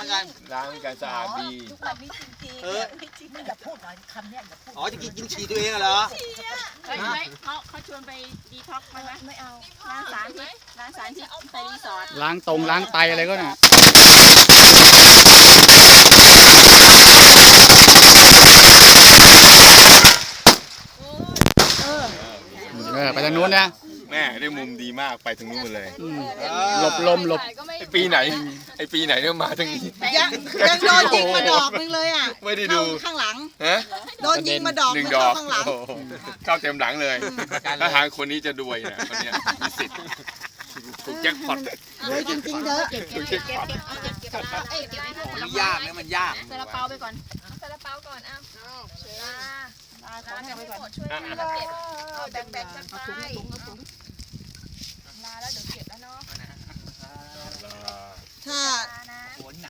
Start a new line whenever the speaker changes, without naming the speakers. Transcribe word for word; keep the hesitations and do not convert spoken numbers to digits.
แล้วกัน
ล้างกันสะอาดดี
ทุกวันนี้จริงๆ
เออ
ไม่จริงอย่าพูดหน่อยคำเนี้ยอย่าพูด
อ๋อจะกินกินฉี่ตัวเองเหรอ
เฮ้ยไม่เขาเขาชวนไปดีท็อกซ์ไหมไหม
ไม่เอา
ล้างสารพิษล้างสารพิษไปรีสอร์ท
ล้างตรงล้างไตอะไรก็น่ะเออไปทางนู้นนะ
แม่ได้มุมดีมากไปถึงนู้นเลย
อืมหลบลมหลบ
ไอปีไหนไอปีไหนเนี่ยมาทางนี้
ยังยังโดนยิงมาดอกนึงเลยอ่ะ
ไม่ได้ดู
เข้าข้างหลัง
ฮะ
โดนยิงมาดอก
หนึ่ง
นึง
ดอ
เข้าก ข้างหลัง
โอ้โหเข้าเต็มหลังเลยถ้าทางคนนี้จะรวยเนี่ยคนเนี้ยมีสิทธิ์ถูกแจ็คพอต
รวยจริงๆเด้อ
เก็บเก็บเก็บเก็บเก็บเอาเก็บเก็บเอาเอ้ยเก็บไอ้พวก
มันยากนะมันยาก
ซาลาเปาไปก่อน
ซาลาเปาก่อนอ้าวลา
ลาของ
ลา
ให้
จะ
ไป
ไม่
ก่อน
หมดช่วยกันเก็บเอาแบ่งๆกันไปลาแล้วเดี๋ยวเก็บแล้วเนาะ
ถ้า
ลานะ